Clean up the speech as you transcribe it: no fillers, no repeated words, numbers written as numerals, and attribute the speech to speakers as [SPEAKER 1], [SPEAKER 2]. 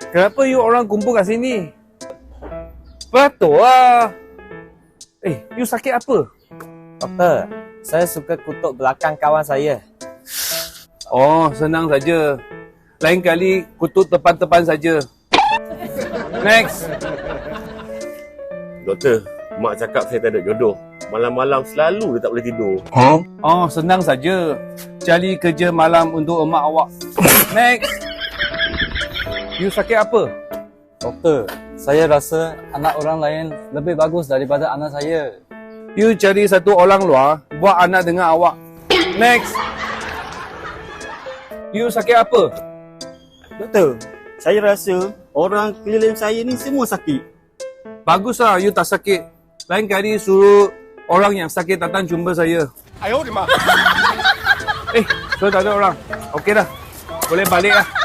[SPEAKER 1] Kenapa you orang kumpul kat sini? Betul lah. You sakit apa?
[SPEAKER 2] Doktor, saya suka kutuk belakang kawan saya.
[SPEAKER 1] Oh, senang saja. Lain kali kutuk depan-depan saja. Next.
[SPEAKER 3] Doktor, mak cakap saya tak ada jodoh. Malam-malam selalu dia tak boleh tidur.
[SPEAKER 1] Oh, senang saja. Cari kerja malam untuk emak awak. Next. You sakit apa?
[SPEAKER 2] Doktor, saya rasa anak orang lain lebih bagus daripada anak saya.
[SPEAKER 1] You cari satu orang luar buat anak dengan awak. Next. You sakit apa?
[SPEAKER 4] Doktor, saya rasa orang keliling saya ni semua sakit.
[SPEAKER 1] Baguslah you tak sakit. Lain kali suruh orang yang sakit datang jumpa saya. So tak ada orang. Okey dah. Boleh balik lah.